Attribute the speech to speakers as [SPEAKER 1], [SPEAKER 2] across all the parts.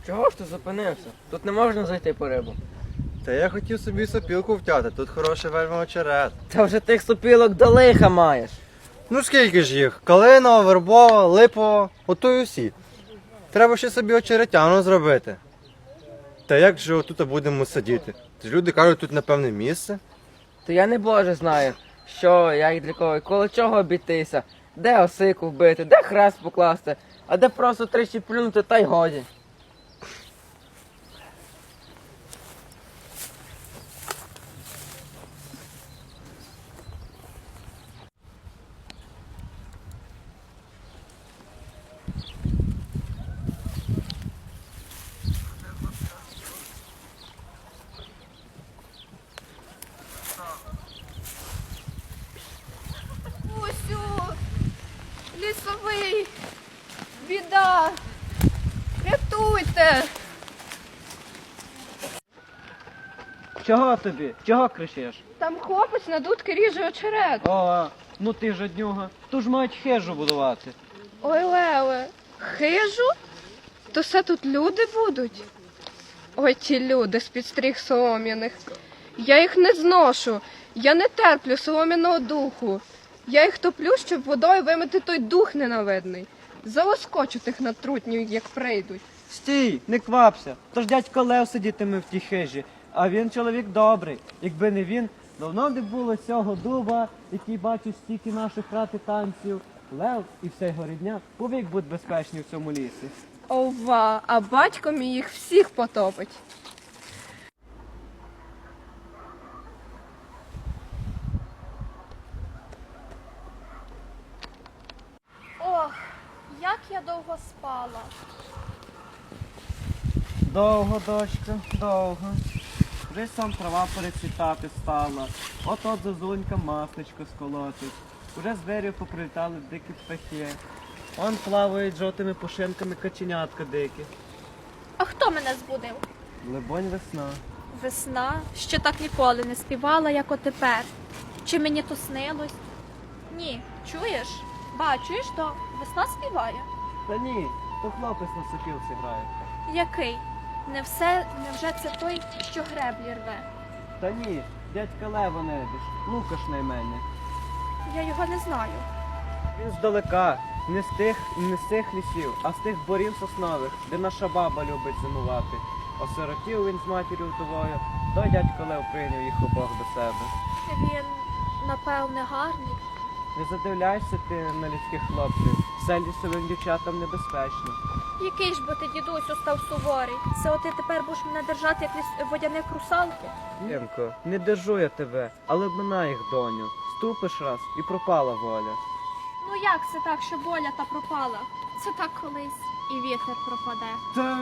[SPEAKER 1] Чого ж ти зупинився? Тут не можна зайти по рибу.
[SPEAKER 2] Та я хотів собі сопілку втяти, тут хороший вельми очерет.
[SPEAKER 1] Та вже тих сопілок до лиха маєш.
[SPEAKER 2] Ну скільки ж їх? Калинова, вербова, липова, ото й усі. Треба ще собі очеретяну зробити. Та як же отут будемо сидіти? Люди кажуть, тут напевне місце.
[SPEAKER 1] То я не боже знаю, що, як для кого, і коло чого обійтися, де осику вбити, де хрест покласти, а де просто тричі плюнути, та й годі.
[SPEAKER 3] Усю! Лісовий! Біда! Рятуйте!
[SPEAKER 4] Чого тобі? Чого кричиш?
[SPEAKER 3] Там хлопець на дудки ріже очерет.
[SPEAKER 4] О, ну ти жаднюга. Ту ж мають хижу будувати.
[SPEAKER 3] Ой, Леле, хижу? То все тут люди будуть? Ой, ті люди з-під стріх солом'яних. Я їх не зношу. Я не терплю солом'яного духу. Я їх топлю, щоб водою вимити той дух ненавидний. Залоскочу тих натрутнів, як прийдуть.
[SPEAKER 4] Стій, не квапся. Тож дядько Лев сидітиме в тій хижі. А він чоловік добрий. Якби не він, давно б не було цього дуба, який бачить стільки наших рад і танців. Лев і вся його рідня повік будуть безпечні в цьому лісі.
[SPEAKER 3] Ова, а батько мій їх всіх потопить.
[SPEAKER 5] Ох, як я довго спала.
[SPEAKER 4] Довго, дочка, довго. Вже сам трава перецвітати стала. От-от зозунька масличко сколотить. Уже з дверів поприлітали дикі птахи. Он плавають жовтими пушинками каченятка дикі.
[SPEAKER 5] А хто мене збудив?
[SPEAKER 4] Либонь весна.
[SPEAKER 5] Весна, що так ніколи не співала, як отепер. Чи мені то снилось? Ні, чуєш? Чуєш, то весна співає?
[SPEAKER 4] Та ні, то хлопець на сопілці грає.
[SPEAKER 5] Який? Невже це той, що греблі рве?
[SPEAKER 4] Та ні, дядька Лева небіж, Лукаш найменник.
[SPEAKER 5] Я його не знаю.
[SPEAKER 4] Він здалека, не з тих лісів, а з тих борів соснових, де наша баба любить зимувати. Осиротів він з матір'ю вдовою, той дядько Лев прийняв їх обох до себе.
[SPEAKER 5] Він, напевне, гарний.
[SPEAKER 4] Не задивляйся ти на людських хлопців, все лісовим дівчатам небезпечно.
[SPEAKER 5] Який ж бо ти, дідусю, став суворий? Це ти тепер будеш мене держати, як водяних русалки?
[SPEAKER 4] Ємко, не держу я тебе, але обминай їх, доню. Ступиш раз і пропала воля.
[SPEAKER 5] Ну як це так, що воля та пропала? Це так колись і вітер пропаде.
[SPEAKER 4] Та...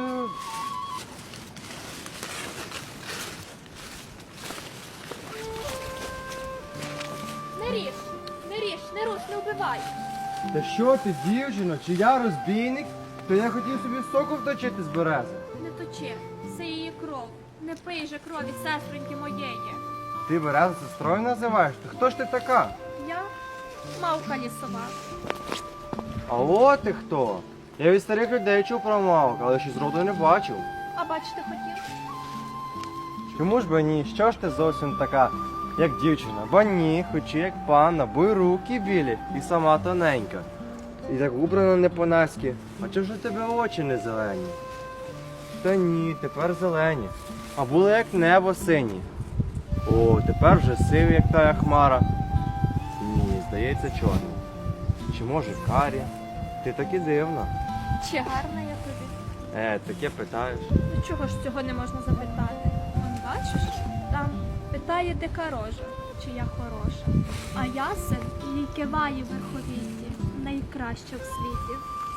[SPEAKER 5] Не ріж, не руш, не вбивай.
[SPEAKER 2] Та що ти, дівчино, чи я розбійник? То я хотів собі соку вточити з берези.
[SPEAKER 5] Не точи, це її кров. Не пий же крові сестроньки моєї.
[SPEAKER 2] Ти березу сестрою називаєш? Та хто ж ти така?
[SPEAKER 5] Я мавка лісова.
[SPEAKER 2] А от ти хто? Я від старих людей чув про мавок, але ще зроду не бачив.
[SPEAKER 5] А бачити хотів?
[SPEAKER 2] Чому ж би ні? Що ж ти зовсім така, як дівчина? Бо ні, хоч і як панна, бо й руки білі, і сама тоненька. І так убрана не по-наськи. А чого ж у тебе очі не зелені? Та ні, тепер зелені. А були як небо сині. О, тепер вже сиві, як тая хмара. Ні, здається, чорний. Чи може карі? Ти таки дивна.
[SPEAKER 5] Чи гарна я тобі?
[SPEAKER 2] Таке питаєш.
[SPEAKER 5] Ну чого ж цього не можна запитати? Он бачиш, там питає дика рожа, чи я хороша. А ясен їй киває в верховітті, найкраща в світі.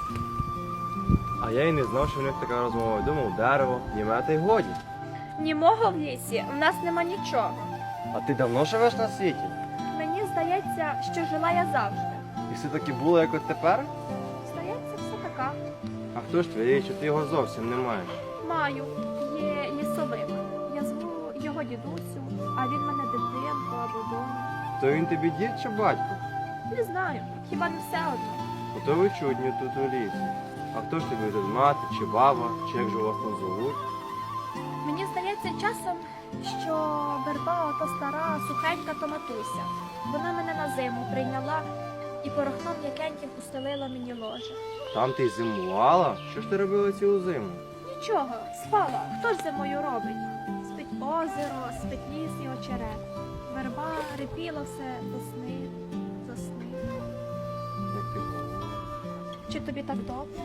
[SPEAKER 2] А я й не знав, що в них така розмова. Думав, дерево, німе та й годі.
[SPEAKER 5] Німого в лісі в нас нема нічого.
[SPEAKER 2] А ти давно живеш на світі?
[SPEAKER 5] Мені здається, що жила я завжди.
[SPEAKER 2] І все таки було, як от тепер?
[SPEAKER 5] Здається, все така.
[SPEAKER 2] А хто ж твій, що ти його зовсім не маєш?
[SPEAKER 5] Маю, є лісовик. Я зву його дідусю, а він мене дитинку або доню.
[SPEAKER 2] То він тобі дід чи батько?
[SPEAKER 5] Не знаю, хіба не все одно.
[SPEAKER 2] Ото ви чудні тут у лісі. А хто ж тобі тут мати, чи баба, чи як же вас там зовуть?
[SPEAKER 5] Мені здається часом, що верба ото стара, сухенька то матуся. Вона мене на зиму прийняла і порохном м'якеньким устелила мені ложе.
[SPEAKER 2] Там ти й зимувала? Що ж ти робила цілу зиму?
[SPEAKER 5] Нічого, спала. Хто ж зимою робить? Спить озеро, спить ліс і очерет. Верба репіла все до сни, до сни.
[SPEAKER 2] Як ти говориш?
[SPEAKER 5] Чи тобі так добре?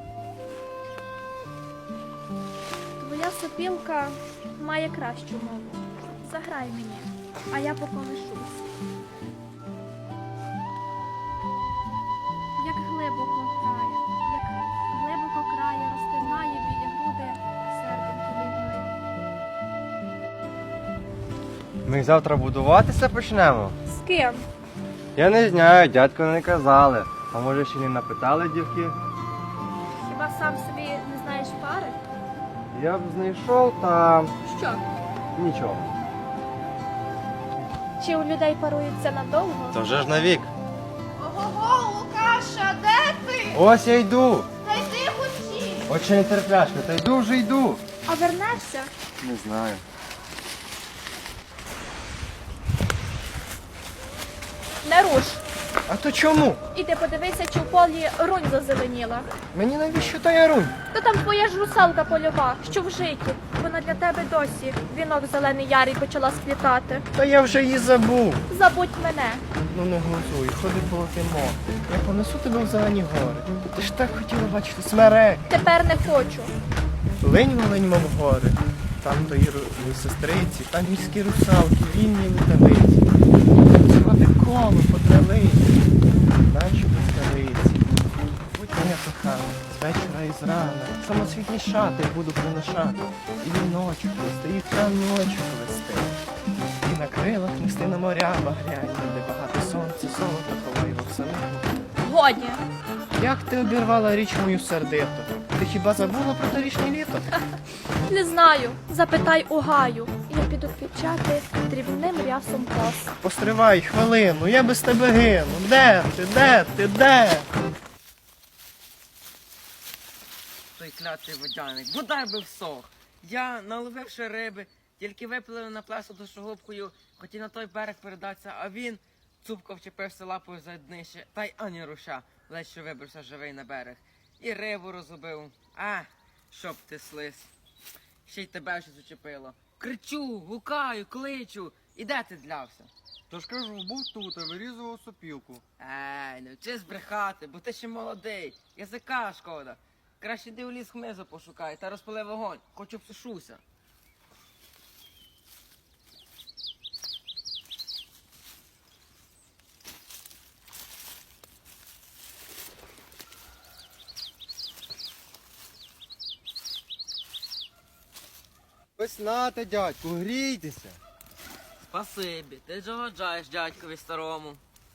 [SPEAKER 5] Твоя сопілка має кращу мову. Заграй мені, а я поколишусь. Як глибоко крає, розтинає білі груди, серденько лігли.
[SPEAKER 2] Ми завтра будуватися почнемо?
[SPEAKER 5] З ким?
[SPEAKER 2] Я не знаю, дядько не казали. А може ще не напитали дівки?
[SPEAKER 5] Хіба сам собі не знаєш пари?
[SPEAKER 2] Я б знайшов, та
[SPEAKER 5] Що?
[SPEAKER 2] нічого.
[SPEAKER 5] Чи у людей паруються надовго?
[SPEAKER 2] То вже ж навік.
[SPEAKER 3] Ого, Лукаша, де ти?
[SPEAKER 2] Ось я йду.
[SPEAKER 3] Та йди хучі.
[SPEAKER 2] Очі не терпляшка, та йду вже йду.
[SPEAKER 5] А вернешся?
[SPEAKER 2] Не знаю.
[SPEAKER 5] Не руш.
[SPEAKER 2] А то чому?
[SPEAKER 5] Іди подивися, чи в полі рунь зазеленіла.
[SPEAKER 2] Мені навіщо та ярунь?
[SPEAKER 5] Та там твоя ж русалка польова, що в житті. Вона для тебе досі вінок зелений ярий почала сплітати.
[SPEAKER 6] Та я вже її забув.
[SPEAKER 5] Забудь мене.
[SPEAKER 6] Ну не глузуй, ходи полотимо. Я понесу тебе в зелені гори. Ти ж так хотіла бачити смерек.
[SPEAKER 5] Тепер не хочу.
[SPEAKER 6] Линь, мов гори. Там твої сестриці, там міські русалки, вільні летавиці. Зроди коло по травиці, наче блискавиці. Будь моя кохана, з вечора і зрана. Самоцвітні шати буду приношати. І віночок нести, і травні очі повести. І на крилах нести на моря багряні, де багато сонця, золота ховає його в самому.
[SPEAKER 5] Годі.
[SPEAKER 6] Як ти обірвала річ мою сердиту? Ти хіба забула про торішнє літо?
[SPEAKER 5] Не знаю. Запитай у гаю. Я піду квітчати дрібним рясом кос.
[SPEAKER 6] Постривай хвилину, я без тебе гину. Де ти, де ти, де?
[SPEAKER 1] Той клятий водяник, бодай би всох. Я, наловивши риби, тільки виплив на плесо душогубкою, хотів на той берег передатися, а він цупко вчепився лапою за днище, та й ані руша, ледь що вибрався живий на берег. І рибу розгубив. А, щоб ти слиз. Ще й тебе щось учепило. Кричу, гукаю, кличу. І де ти длявся?
[SPEAKER 2] Тож кажу, був тут, а вирізував сопілку.
[SPEAKER 1] Не вчись брехати, бо ти ще молодий. Язика шкода. Краще йди у ліс хмизу пошукай та розпали вогонь, хоч обсушуся.
[SPEAKER 2] Ось нате, дядьку, грійтеся.
[SPEAKER 1] Спасибі, ти догоджаєш дядькові старому.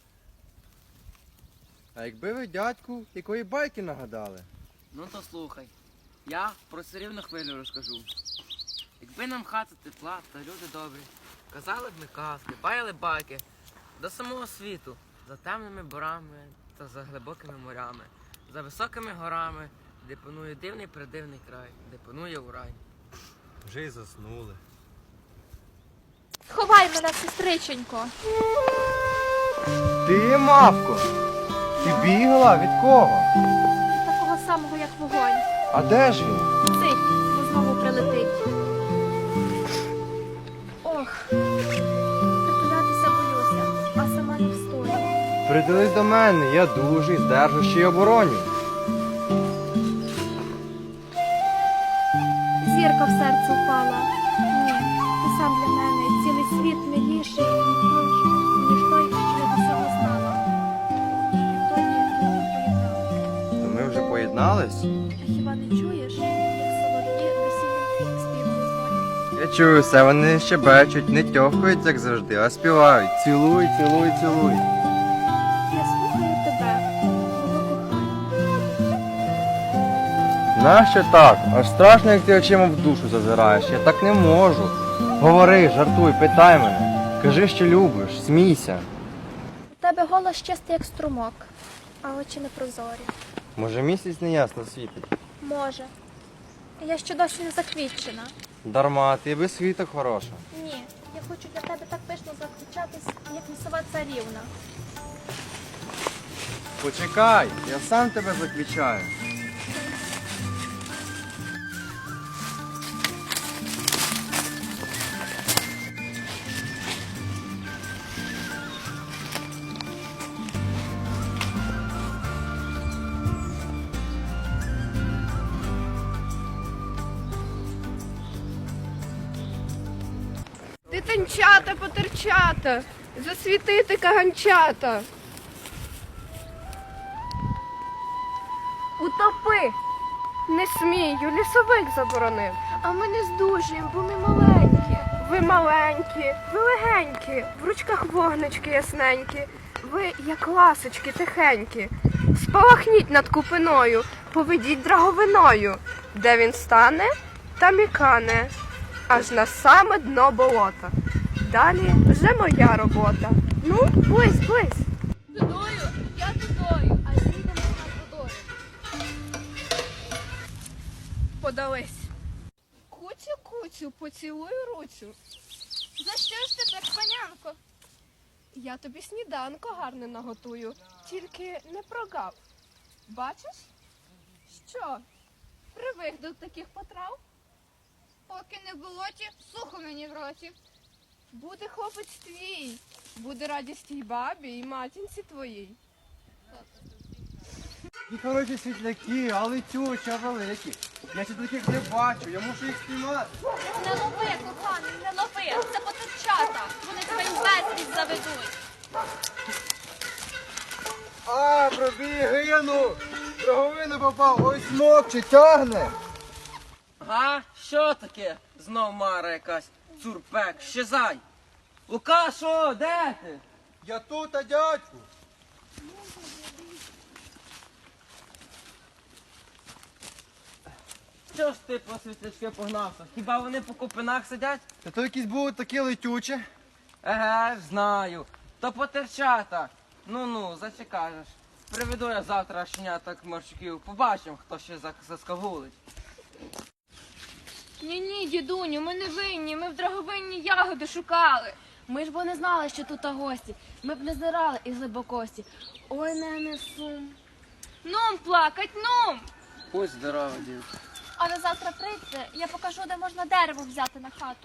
[SPEAKER 2] А якби ви, дядьку, якої байки нагадали?
[SPEAKER 1] Ну то слухай, я про царівну хвилю розкажу. Якби нам хата тепла та люди добрі, казали б ми казки, баяли байки до самого світу, за темними борами та за глибокими морями, за високими горами, де панує дивний придивний край, де панує урай.
[SPEAKER 2] Вже й заснули.
[SPEAKER 5] Сховай мене, сестриченько.
[SPEAKER 2] Ти, мавко, ти бігла? Від кого?
[SPEAKER 5] Такого самого, як вогонь.
[SPEAKER 2] А де ж він?
[SPEAKER 5] Цить, бо знову прилетить. Ох, притулятися боюся, а сама не встою.
[SPEAKER 2] Приділись до мене, я дужий, здержу, ще й обороню.
[SPEAKER 5] Зірка в серце впала. Ні, ти сам для мене цілий світ миліший, ніж той, що я до цього знала. Відтоді поєднали.
[SPEAKER 2] То ми вже поєднались?
[SPEAKER 5] А хіба не чуєш, як солов'ї весільний співом дзвонять?
[SPEAKER 2] Я чую все, вони щебечуть, не тьохають, як завжди, а співають. Цілуй, цілуй, цілуй.
[SPEAKER 5] Я слухаю тебе, мого кохання.
[SPEAKER 2] Нащо так? Аж страшно, як ти очима в душу зазираєш. Я так не можу. Говори, жартуй, питай мене. Кажи, що любиш, смійся.
[SPEAKER 5] У тебе голос чистий, як струмок, а очі непрозорі.
[SPEAKER 2] Може місяць неясно світить?
[SPEAKER 5] Може. Я ще досі не заквітчена.
[SPEAKER 2] Дарма, ти без світок хороша.
[SPEAKER 5] Ні, я хочу для тебе так пишно заквічатись, як лісова царівна.
[SPEAKER 2] Почекай, я сам тебе заквічаю.
[SPEAKER 3] Дитинчата, потерчата, засвітити каганчата. Утопи! Не смію, лісовик заборонив.
[SPEAKER 5] А ми не здужуємо, бо ми маленькі.
[SPEAKER 3] Ви маленькі, ви легенькі, в ручках вогнички ясненькі. Ви, як ласочки, тихенькі. Спалахніть над купиною, поведіть драговиною. Де він стане, там і кане, аж на саме дно болота. Далі вже моя робота. Ну, близь, близь.
[SPEAKER 5] Тудою, я тудою, а їдемо над водою.
[SPEAKER 3] Подались. Куцю, куцю, поцілую руцю.
[SPEAKER 5] За що ж тепер, панянко?
[SPEAKER 3] Я тобі сніданко гарне наготую, тільки не прогав. Бачиш? Що? Привик до таких потрав?
[SPEAKER 7] Поки не в болоті, сухо мені в роті.
[SPEAKER 3] Буде хлопець твій, буде радість тій бабі і матінці твоїй.
[SPEAKER 2] І хороші світляки, а летючі, а великі. Я ще таких не бачу, я мушу їх спіймати.
[SPEAKER 5] Не лови, коханий, не лови. Це потерчата. Вони тебе в безвість заведуть.
[SPEAKER 2] А, пробіг, гину! Драговину попав, ой смокче, тягне.
[SPEAKER 1] Га? Що таке? Знов мара якась. Цурпек, щезай. Лукашо, де ти?
[SPEAKER 2] Я тут, а дядьку.
[SPEAKER 1] Що ж ти по світлячки погнався? Хіба вони по купинах сидять?
[SPEAKER 2] Та то якісь будуть такі летючі.
[SPEAKER 1] Еге, ж знаю. То потерчата. Ну-ну, зачекажеш. Приведу я завтра щеняток морщиків. Побачимо, хто ще заскагулить.
[SPEAKER 7] Ні, дідуню, ми не винні, ми в драговинні ягоди шукали. Ми ж бо не знали, що тут гості. Ми б не зирали із глибокості. Ой, не несу. Нум плакать, нум!
[SPEAKER 1] Будь здорова, дід.
[SPEAKER 5] А ви завтра прийдете, я покажу, де можна дерево взяти на хату.